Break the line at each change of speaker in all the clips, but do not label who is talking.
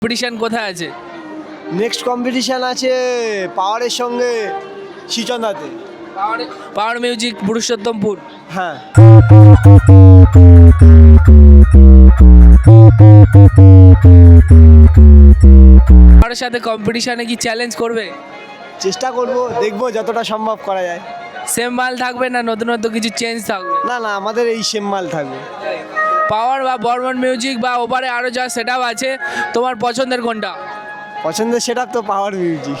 Competition কোথায় আছে?
Next competition আছে পাওয়ারের সঙ্গে শিচন্দাতে।
Power music Purushottampur.
হ্যাঁ,
পাওয়ারের সাথে কম্পিটিশনে কি চ্যালেঞ্জ করবে?
চেষ্টা করব, দেখবো যতটা সম্ভব করা যায়।
সেম মাল থাকবে না নতুনত্ব কিছু চেঞ্জ থাকবে?
না না, আমাদের এই সেম মাল থাকবে।
পাওয়ার বা বর্মন মিউজিক বা ওপারে আরও যা সেটআপ আছে, তোমার পছন্দের কোনটা?
পছন্দের সেটা তো পাওয়ার মিউজিক।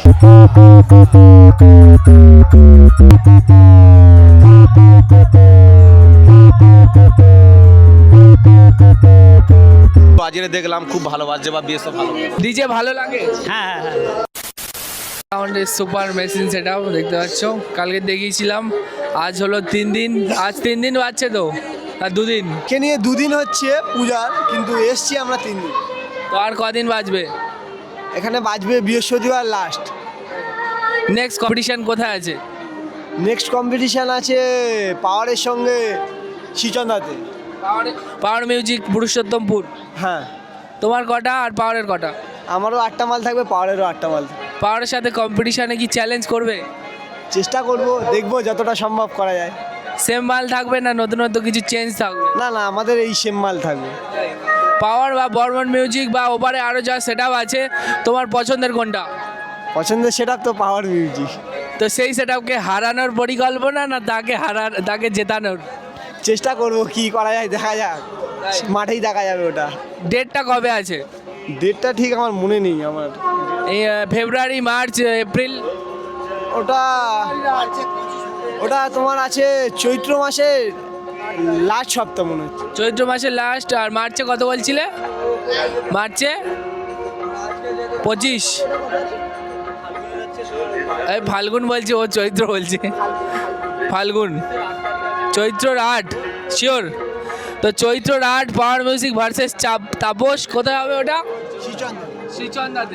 বাজিয়ে দেখলাম খুব ভালো বাজছে বা বেশও ভালো।
ডিজে ভালো লাগে?
হ্যাঁ।
সাউন্ডের সুপার মেশিন সেটআপ দেখতে পাচ্ছ, কালকে দেখিয়েছিলাম। আজ হলো 3 দিন, আজ 3 দিন বাজছে তো, আর 2 দিন।
কে নিয়ে 2 দিন হচ্ছে পূজার, কিন্তু এসছি আমরা 3 দিন।
তো আর কদিন বাজবে?
এখানে বাজবে বৃহস্পতিবার লাস্ট।
নেক্সট কম্পিটিশন কোথায় আছে?
নেক্সট কম্পিটিশান আছে পাওয়ারের সঙ্গে শিচন্দাতে।
Power music Purushottampur.
হ্যাঁ,
তোমার কটা আর পাওয়ারের কটা?
আমারও 8টা মাল থাকবে, পাওয়ারেরও 8টা মাল থাকবে।
পাওয়ারের সাথে কম্পিটিশনে কি চ্যালেঞ্জ করবে?
চেষ্টা করব, দেখবো যতটা সম্ভব করা যায়।
সেম মাল থাকবে না নতুনত্ব কিছু চেঞ্জ থাকবে?
না না, আমাদের এই সেম মাল থাকবে।
পাওয়ার বা বর্মন মিউজিক বা ওপারে আরও যা সেটআপ আছে, তোমার পছন্দের কোনটা?
পছন্দের সেটা তো পাওয়ার মিউজিক।
তো সেই সেটআপকে হারানোর পরিকল্পনা না তাকে জেতানোর?
চেষ্টা করব, কি করা যায় দেখা যাক, মাঠেই দেখা যাবে ওটা।
ডেটটা কবে আছে?
ডেটটা ঠিক আমার মনে নেই আমার।
এই ফেব্রুয়ারি, মার্চ, এপ্রিল?
ওটা ওটা তোমার আছে চৈত্র মাসের লাস্ট সপ্তাহ মনে হচ্ছে।
চৈত্র মাসের লাস্ট। আর মার্চে কত বলছিলে? মার্চে 25। এই ফাল্গুন বলছে, ও চৈত্র বলছে। ফাল্গুন, চৈত্রর 8 শিওর। তো চৈত্রর 8 পাওয়ার মিউজিক ভার্সেস তাপস। কোথায় হবে ওটা? শ্রীচন্দাতে।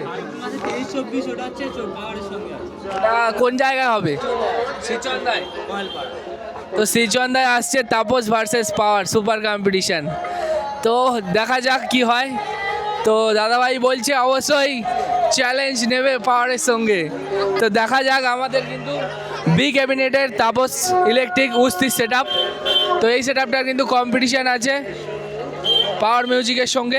ওটা কোন জায়গায় হবে? শ্রীচন্দায়। তো শ্রীচন্দায় আসছে Tapas versus power, super competition. তো দেখা যাক কি হয়। তো দাদাভাই বলছে অবশ্যই চ্যালেঞ্জ নেবে পাওয়ারের সঙ্গে। তো দেখা যাক। আমাদের কিন্তু বি ক্যাবিনেটের তাপস ইলেকট্রিক উস্তি সেটআপ। তো এই সেটআপটার কিন্তু কম্পিটিশান আছে পাওয়ার মিউজিকের সঙ্গে।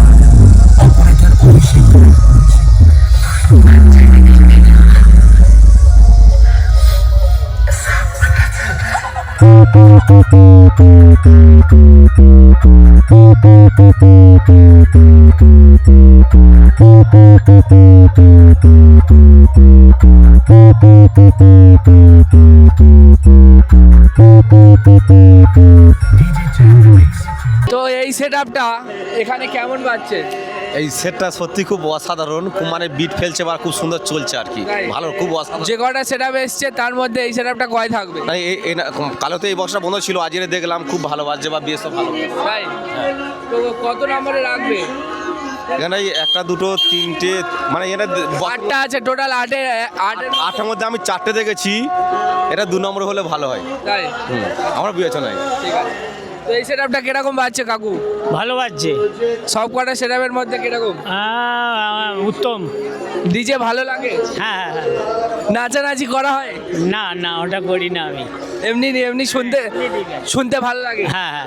তো এই সেটআপটা এখানে কেমন বাজছে?
এই সেটটা সত্যি খুব অসাধারণ, খুব মানে বিট ফেলছে বা খুব সুন্দর চলছে আর কি।
তাই?
ভালো, খুব অসাধারণ।
যে কটা সেটআপ এসছে তার মধ্যে এই সেটআপটা কয় থাকবে?
মানে কালো তো এই বক্সটা বন্ধ ছিল, আজকে দেখলাম খুব ভালো বাজছে বা বেশও ভালো।
তাই? তো কত নম্বরে রাখবে?
এখানে 1টা 2টো 3টে মানে এটা
8টা আছে টোটাল। 8-এর
8টার মধ্যে আমি 4টে দেখেছি। এটা 2 নম্বর হলে ভালো হয়।
তাই?
আমার বিবেচনায়।
ঠিক আছে। তো এই সেটআপটা কিরকম বাজছে কাকু?
ভালো বাজছে।
সব কটা সেটআপের মধ্যে কিরকম?
উত্তম।
ডিজে ভালো লাগে?
হ্যাঁ।
নাচানাচি করা হয়?
না না, ওটা করি না আমি।
এমনি এমনি শুনতে ভালো লাগে?
হ্যাঁ।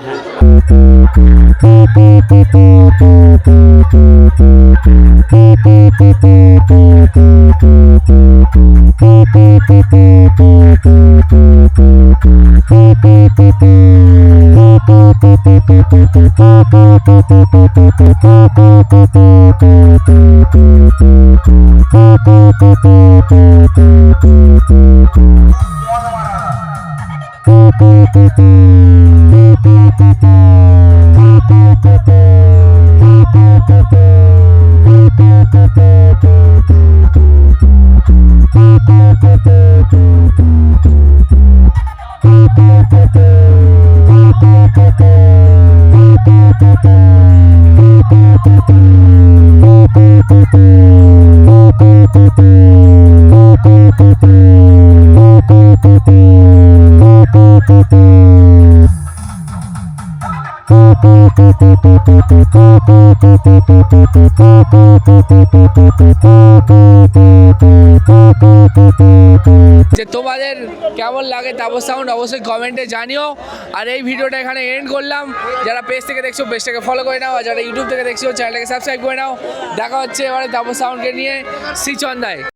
যে তোমাদের কেমন লাগে তাপস সাউন্ড অবশ্যই কমেন্টে জানিও। আর এই ভিডিওটা এখানে এন্ড করলাম। যারা পেজ থেকে দেখছো পেজটাকে ফলো করে নাও, আর যারা ইউটিউব থেকে দেখছো চ্যানেলটাকে সাবস্ক্রাইব করে নাও। দেখা হচ্ছে এবারে তাপস সাউন্ডকে নিয়ে শ্রীচন্দায়।